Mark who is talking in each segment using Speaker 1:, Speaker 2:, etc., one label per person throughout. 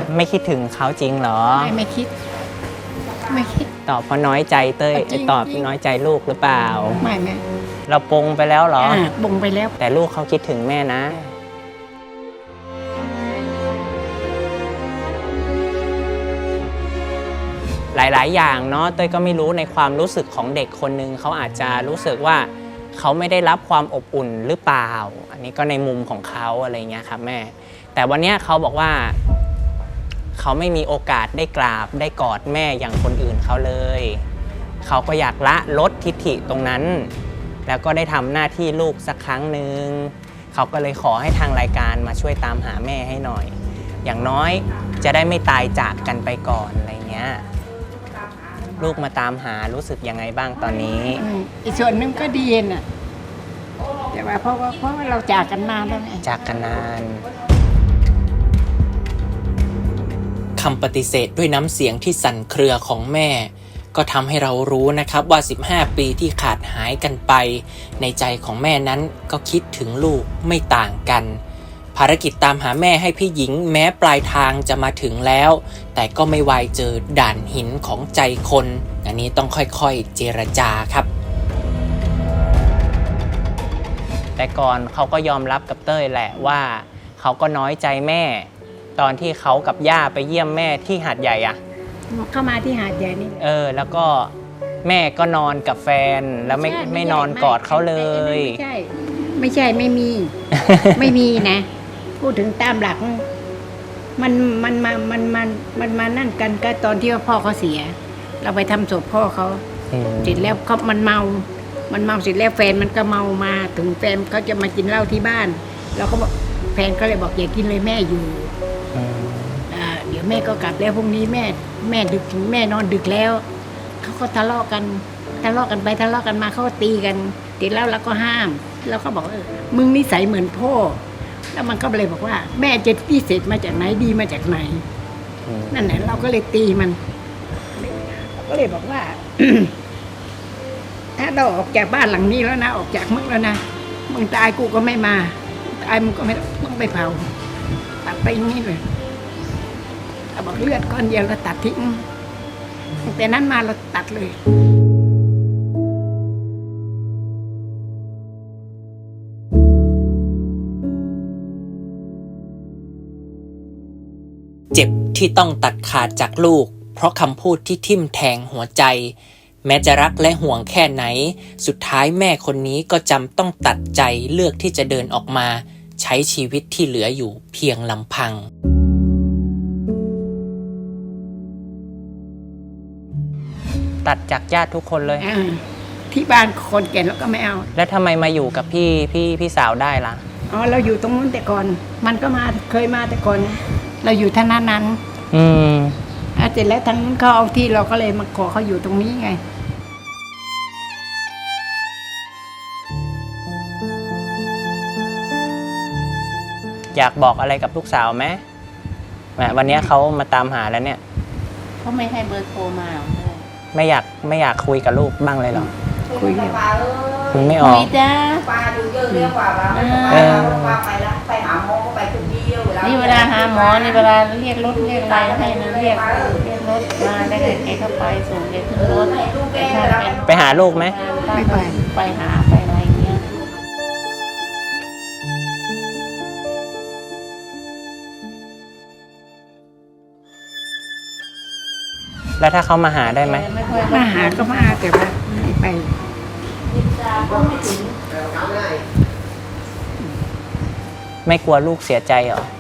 Speaker 1: ไม่คิดถึงเขาจริงเหรอ
Speaker 2: ไม่คิด
Speaker 1: ตอบเพราะน้อยใจเต้ยตอบน้อยใจลูกหรือเปล่า
Speaker 2: ไม่
Speaker 1: เราปงไปแล้วเหรอ
Speaker 2: ปงไปแล้ว
Speaker 1: แต่ลูกเขาคิดถึงแม่นะหลายๆอย่างเนาะเต้ยก็ไม่รู้ในความรู้สึกของเด็กคนนึงเขาอาจจะรู้สึกว่าเขาไม่ได้รับความอบอุ่นหรือเปล่าอันนี้ก็ในมุมของเขาอะไรเงี้ยครับแม่แต่วันนี้เขาบอกว่าเขาไม่มีโอกาสได้กราบได้กอดแม่อย่างคนอื่นเขาเลยเขาก็อยากละลดทิฐิตรงนั้นแล้วก็ได้ทำหน้าที่ลูกสักครั้งหนึ่งเขาก็เลยขอให้ทางรายการมาช่วยตามหาแม่ให้หน่อยอย่างน้อยจะได้ไม่ตายจากกันไปก่อนอะไรเงี้ยลูกมาตามหารู้สึกยังไงบ้างตอนนี้
Speaker 2: อีกส่วนหนึ่งก็ดีน่ะแต่ว่าเพราะว่าเราจากกันนานแล้วไง
Speaker 1: จากกันนานคำปฏิเสธด้วยน้ำเสียงที่สั่นเครือของแม่ก็ทำให้เรารู้นะครับว่า15ปีที่ขาดหายกันไปในใจของแม่นั้นก็คิดถึงลูกไม่ต่างกันภารกิจตามหาแม่ให้พี่หญิงแม้ปลายทางจะมาถึงแล้วแต่ก็ไม่ไวเจอด่านหินของใจคนอันนี้ต้องค่อยๆเจรจาครับแต่ก่อนเขาก็ยอมรับกับเต้ยแหละว่าเขาก็น้อยใจแม่ตอนที่เขากับย่าไปเยี่ยมแม่ที่หาดใหญ่อะ
Speaker 2: เข้ามาที่หาดใหญ่นี่
Speaker 1: แล้วก็แม่ก็นอนกับแฟนแล้วไม่นอนกอดเขาเลย
Speaker 2: ไม่ใช่ไม่มี ไม่มีนะพูดถึงตามหลักมันมานั่นกันก็ตอนที่ว่าพ่อเขาเสียเราไปทำศพพ่อเขาเสร็จแล้วเขามันเมาเสร็จแล้วแฟนมันก็เมามาถึงแฟนเขาจะมากินเหล้าที่บ้านเราก็บอกแฟนก็เลยบอกอย่ากินเลยแม่อยู่เดี๋ยวแม่ก็กลับแล้วพรุ่งนี้แม่ดึกแม่นอนดึกแล้วเขาก็ทะเลาะกันไปทะเลาะกันมาเขาก็ตีกันตีแล้วเราก็ห้ามแล้วก็บอกมึงนิสัยเหมือนพ่อแล้วมันก็เลยบอกว่าแม่จะพิเศษมาจากไหนดีมาจากไหนนั่นแหละเราก็เลยตีมันก็เลยบอกว่า ถ้าเราออกจากบ้านหลังนี้แล้วนะออกจากมึงแล้วนะมึงตายกูก็ไม่มาตายมึงก็ไม่ต้องไปเผาตัดไปอย่างนี้เลยเราบอกเลือดก้อนเดียวเราตัดทิ้งแต่นั้นมาเราตัดเลย
Speaker 1: เจ็บที่ต้องตัดขาดจากลูกเพราะคำพูดที่ทิ่มแทงหัวใจแม้จะรักและห่วงแค่ไหนสุดท้ายแม่คนนี้ก็จำต้องตัดใจเลือกที่จะเดินออกมาใช้ชีวิตที่เหลืออยู่เพียงลำพังตัดจากญาติทุกคนเลย
Speaker 2: ที่บ้านคนแก่แล้วก็ไม่เอา
Speaker 1: แล้วทำไมมาอยู่กับพี่สาวได้ล่ะ
Speaker 2: เราอยู่ตรงนู้นแต่ก่อนมันก็มาเคยมาแต่ก่อนเราอยู่ท่านั้นเสร็จแล้วทางนู้นเขาเอาที่เราก็เลยมาขอเขาอยู่ตรงนี้ไง
Speaker 1: อยากบอกอะไรกับลูกสาวไหมวันนี้เขามาตามหาแล้วเนี่ย
Speaker 3: เขาไม่ให้เบอร์โทรมา
Speaker 1: ไม่อยากคุยกับลูกบ้างเลยหรอ
Speaker 2: คุย
Speaker 1: ไม่ออก
Speaker 3: คุยจ้า
Speaker 4: ปลาดูเยอะเรียกว่าปลาไปละไปหาหมอก็ไปคนเดียว
Speaker 3: นี่เวลาหาหมอนี่เวลาเรียกรถเรียกอะไรให้นะเรียกรถมาได้เด็กเข้าไปส่งเด็กขึ้นรถ
Speaker 1: ไปหาลูกไหม
Speaker 2: ไม่
Speaker 3: ไปหาไปอะไรเงี้ย
Speaker 1: แล้วถ้าเขามาหาได้ไหม
Speaker 2: มาหาก็มาแต่ว่าไม่ไป
Speaker 1: ไม่กลัวลูกเสียใจเหรอ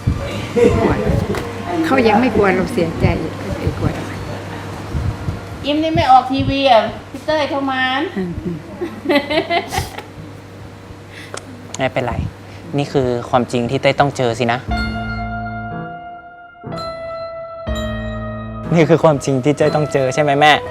Speaker 2: เขายังไม่กลัวเราเสียใจไม่กลัว
Speaker 3: ยิ้มนี่ไม่ออกทีวีอ่ะพี่เต้ยเข้ามา
Speaker 1: ไม่เป็นไรนี่คือความจริงที่เต้ยต้องเจอสินะนี่คือความจริงที่เต้ยต้องเจอใช่ไหมแม่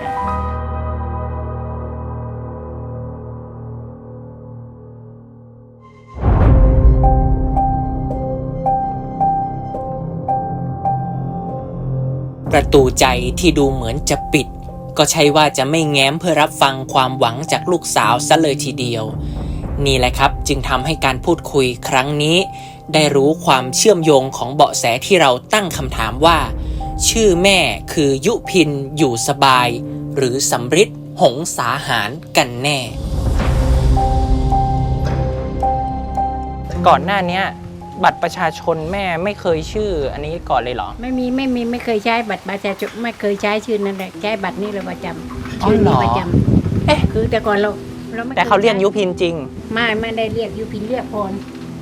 Speaker 1: ประตูใจที่ดูเหมือนจะปิดก็ใช่ว่าจะไม่แง้มเพื่อรับฟังความหวังจากลูกสาวซะเลยทีเดียวนี่แหละครับจึงทำให้การพูดคุยครั้งนี้
Speaker 5: ได้รู้ความเชื่อมโยงของเบาะแสที่เราตั้งคำถามว่า ชื่อแม่คือยุพินอยู่สบาย หรือสำริดหงสาหารกันแน่
Speaker 1: ก่อนหน้าเนี้ยบัตรประชาชนแม่ไม่เคยชื่ออันนี้ก่อนเลยเหรอ
Speaker 2: ไม่เคยใช้บัตรประชาชนไม่เคยใช้ชื่อนั้นแหละใช้บัตรนี้เลยประจำ
Speaker 1: อ๋อ
Speaker 2: ชื่อ
Speaker 1: เหร
Speaker 2: นี้
Speaker 1: อ
Speaker 2: ประจำ
Speaker 1: เอ๊ะ
Speaker 2: คือแต่ก่อนเราไม่
Speaker 1: แต่เขาเรียกยุพินจริง
Speaker 2: ไม่ได้เรียกยุพินเรียกพร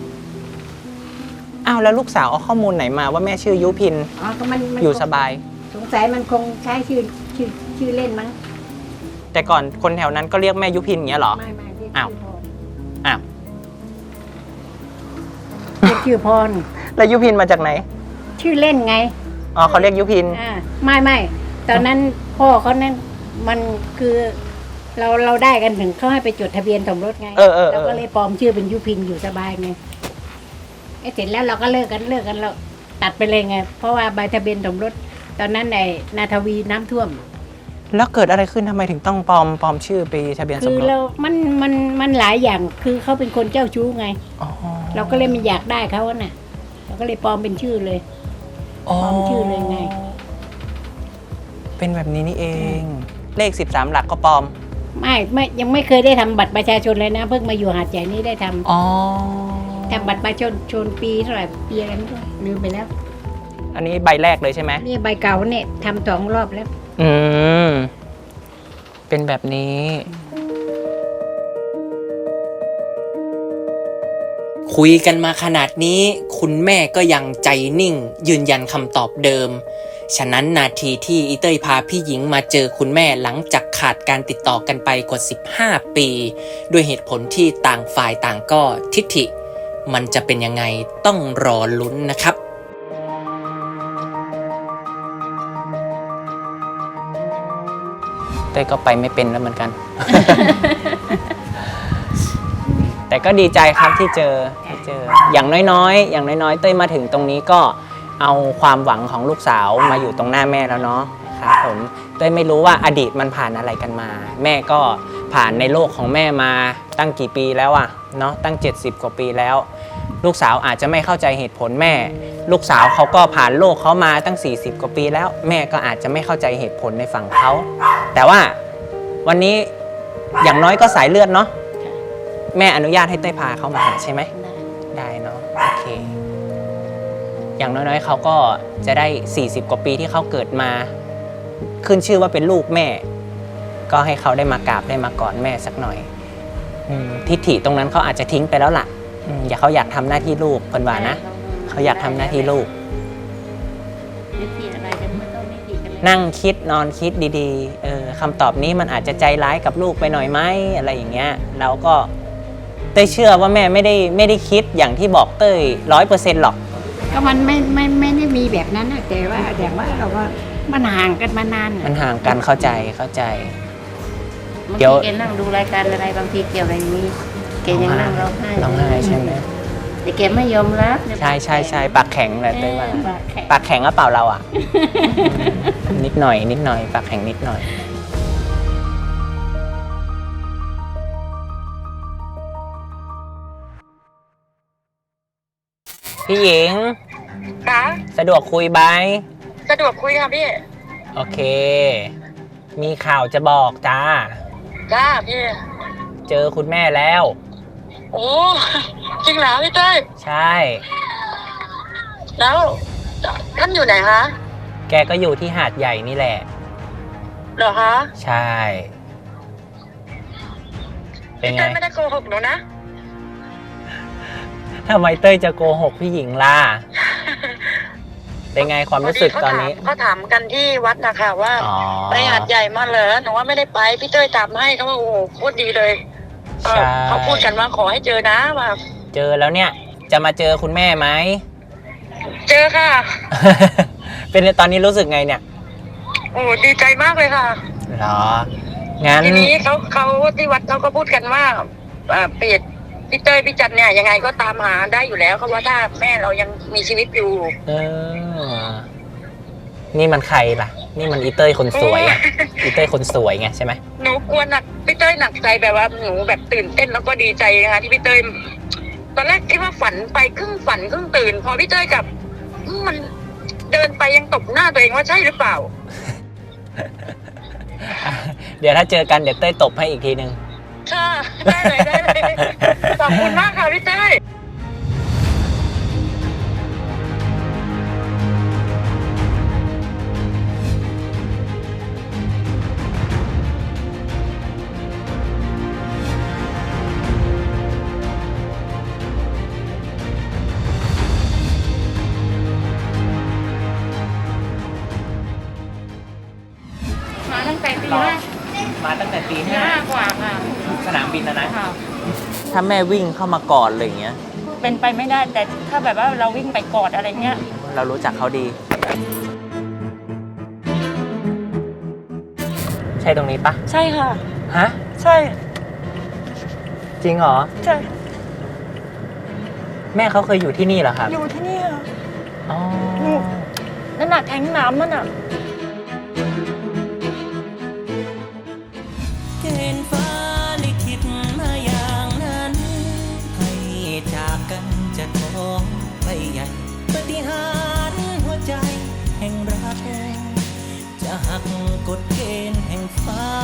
Speaker 1: อ้าวแล้วลูกสาวเอาข้อมูลไหนมาว่าแม่ชื่อยุพิน
Speaker 2: อ๋อก็มัน
Speaker 1: อยู่สบาย
Speaker 2: สงสัยมันคงใช้ชื่อเล่นมั้ง
Speaker 1: แต่ก่อนคนแถวนั้นก็เรียกแม่ยุพินอย่างเงี้ยเหรอ
Speaker 2: ไม่เรียก
Speaker 1: อ้าว
Speaker 2: ชื่อพร
Speaker 1: อ้าว
Speaker 2: เรียกชื่อพร
Speaker 1: แล้วยุพินมาจากไหน
Speaker 2: ชื่อเล่นไง
Speaker 1: อ๋อเขาเรียกยุพิน
Speaker 2: ไม่ตอนนั้นพ่อเขานั้นมันคือเราได้กันถึงเขาให้ไปจดทะเบียนสมรสไง
Speaker 1: เออ
Speaker 2: เราก็เลยปลอมชื่อเป็นยุพินอยู่สบายไงไอ้เสร็จแล้วเราก็เลิกกันเราตัดไปเลยไง เพราะว่าใบทะเบียนสมรสตอนนั้นไอ้นาทวีน้ำท่วม
Speaker 1: แล้วเกิดอะไรขึ้นทำไมถึงต้องปลอมชื่อไปทะเบียนส
Speaker 2: คื
Speaker 1: ม
Speaker 2: อ
Speaker 1: รส
Speaker 2: เรามันหลายอย่างคือเขาเป็นคนเจ้าชู้ไง
Speaker 1: อ๋อ
Speaker 2: เราก็เลยไม่อยากได้เขาอะน่ะเราก็เลยปลอมเป็นชื่อเลย ปลอมชื่อเลยไง
Speaker 1: เป็นแบบนี้นี่เอง เลข13 หลักก็ปลอม
Speaker 2: ไม่ยังไม่เคยได้ทำบัตรประชาชนเลยนะ เพิ่งมาอยู่หาดใหญ่นี่ได้ทำ
Speaker 1: อ๋อ
Speaker 2: ทำบัตรประชาชนปีเท่าไหร่ปีอะไรไม่รู้ลืมไปแล้ว
Speaker 1: อันนี้ใบแรกเลยใช่ไหม
Speaker 2: นี่ใบเก่าเนี่ยทำ2 รอบแล้ว
Speaker 1: อืม เป็นแบบนี้
Speaker 5: คุยกันมาขนาดนี้ คุณแม่ก็ยังใจนิ่ง ยืนยันคำตอบเดิม ฉะนั้นนาทีที่อีเต้ยพาพี่หญิงมาเจอคุณแม่หลังจากขาดการติดต่อกันไปกว่า15 ปี ด้วยเหตุผลที่ต่างฝ่ายต่างก็ทิฐิ มันจะเป็นยังไงต้องรอลุ้นนะครับ
Speaker 1: เต้ยก็ไปไม่เป็นแล้วเหมือนกัน แต่ก็ดีใจครับที่เจอ อย่างน้อยเต้ยมาถึงตรงนี้ก็เอาความหวังของลูกสาวมาอยู่ตรงหน้าแม่แล้วเนาะครับผมเต้ยไม่รู้ว่าอดีตมันผ่านอะไรกันมา แม่ก็ผ่านในโลกของแม่มาตั้งกี่ปีแล้วอะเนาะตั้ง70 กว่าปีแล้ว ลูกสาวอาจจะไม่เข้าใจเหตุผลแม่ ลูกสาวเขาก็ผ่านโลกเขามาตั้ง40 กว่าปีแล้ว แม่ก็อาจจะไม่เข้าใจเหตุผลในฝั่งเขาแต่ว่าวันนี้อย่างน้อยก็สายเลือดเนาะแม่อนุญาตให้เต้ยพาเขามาหาใช่ไหมได้เนาะโอเคอย่างน้อยๆเขาก็จะได้40 กว่าปีที่เขาเกิดมาขึ้นชื่อว่าเป็นลูกแม่ ก็ให้เขาได้มากราบได้มากอดแม่สักหน่อยทิฐิตรงนั้นเขาอาจจะทิ้งไปแล้วล่ะอย่าเขาอยากทำหน้าที่ลูกคนว่านะเขาอยากทำหน้าที่ลูก
Speaker 3: วิธีอะไรจะไม่ต้องวิธีกันเลย
Speaker 1: นั่งคิดนอนคิดดีๆคำตอบนี้มันอาจจะใจร้ายกับลูกไปหน่อยไหมอะไรอย่างเงี้ยเราก็เต้ยเชื่อว่าแม่ไม่ได้คิดอย่างที่บอกเต้ย100%หรอก
Speaker 2: ก็มันไม่ได้มีแบบนั้นนะแต่ว่าอย่างว่าเราก็มันห่างกันมานานน่ะ
Speaker 1: มันห่างกันเข้าใจ
Speaker 3: บาง
Speaker 1: เดี๋ยว
Speaker 3: ทีแกนั่งดูรายการอะไรบางทีเกี่ยวอะไรนี้แกยังนั่งร้องไห้
Speaker 1: ร้องไห้ใช่ไหม
Speaker 3: แต่แกไม่ยอมรับ
Speaker 1: ใช่ปากแข็งแหละเต้ยว่า
Speaker 3: ปากแข็ง
Speaker 1: ปากแข็งก็เปล่าเราอ่ะ นิดหน่อยปากแข็งนิดหน่อยพี่หญิง
Speaker 6: คะ
Speaker 1: สะดวกคุยไหม
Speaker 6: สะดวกคุยค่ะพี่
Speaker 1: โอเค มีข่าวจะบอกจ้า
Speaker 6: จ้าพี่
Speaker 1: เจอคุณแม่แล้ว
Speaker 6: โอ้จริงเหรอพี่เต้ย
Speaker 1: ใช่
Speaker 6: แล้วท่านอยู่ไหนคะ
Speaker 1: แกก็อยู่ที่หาดใหญ่นี่แหละ
Speaker 6: เหรอคะ
Speaker 1: ใช่ เป็น
Speaker 6: พี่
Speaker 1: ไง
Speaker 6: เต้ยไม่ได้โกหกหนูนะ
Speaker 1: ทำไมเต้ยจะโกหกพี่หญิงล่ะ เป็นไงความรู้สึกตอนนี้
Speaker 6: เขาถามกันที่วัดนะคะว่า
Speaker 1: อ๋อ
Speaker 6: ไปหาดใหญ่มาเหรอหนูว่าไม่ได้ไปพี่เต้ยตามให้เขาว่าโอ้โหพูดดีเลย
Speaker 1: ใช่
Speaker 6: เขาพูดกันว่าขอให้เจอนะว่า
Speaker 1: เจอแล้วเนี่ย จะมาเจอคุณแม่ไหม
Speaker 6: เจอค่ะ
Speaker 1: เป็นตอนนี้รู้สึกไงเนี่ย
Speaker 6: โอ้ดีใจมากเลยค่ะ
Speaker 1: เหรอ งั้น
Speaker 6: ทีนี้เขาที่วัดเขาก็พูดกันว่าเปียดพี่เต้ยพี่จันเนี่ยยังไงก็ตามหาได้อยู่แล้วเขาว่าถ้าแม่เรายังมีชีวิตอยู่
Speaker 1: เออ นี่มันใครล่ะ นี่มันอีเต้ยคนสวยอะอีเต้ยคนสวยไงใช่ไหม
Speaker 6: หนูกลัวหนักพี่เต้ยหนักใจแบบว่าหนูแบบตื่นเต้นแล้วก็ดีใจนะคะที่พี่เต้ยตอนแรกคิดว่าฝันไปครึ่งฝันครึ่งตื่น พอพี่เต้ยกับมันเดินไปยังตบหน้าตัวเองว่าใช่หรือเปล่า
Speaker 1: เดี๋ยวถ้าเจอกันเดี๋ยวเต้ยตบให้อีกทีนึง
Speaker 6: ค่ะ ได้เลยได้เลย ขอบคุณมากค่ะพี่เต้ย
Speaker 3: มาตั้งแต่ตีห้า
Speaker 1: มาตั้งแต่ตี
Speaker 3: ตีห้ากว่าค่ะ
Speaker 1: สนามบินนะ
Speaker 3: ค่ะ
Speaker 1: ถ้าแม่วิ่งเข้ามากอดอะไรอย่างเงี้ย
Speaker 3: เป็นไปไม่ได้แต่ถ้าแบบว่าเราวิ่งไปกอดอะไรเงี้ย
Speaker 1: เรารู้จักเขาดี ใช่ตรงนี้ปะ
Speaker 3: ใช่ค่ะ
Speaker 1: ฮะ
Speaker 3: ใช่
Speaker 1: จริงเหรอ
Speaker 3: ใช่
Speaker 1: แม่เขาเคยอยู่ที่นี่เหรอครับ
Speaker 3: อยู่ที่นี่ค่ะ
Speaker 1: อ๋อ
Speaker 3: นั่นน่ะแทงน้ำนั่นน่ะ
Speaker 5: เกณฑ์ฟ้าลิขิตมาอย่างนั้น ให้จากกันจะท้องไปใหญ่ปาฏิหาริย์หัวใจแห่งรัก จะหักกฎเกณฑ์แห่งฟ้า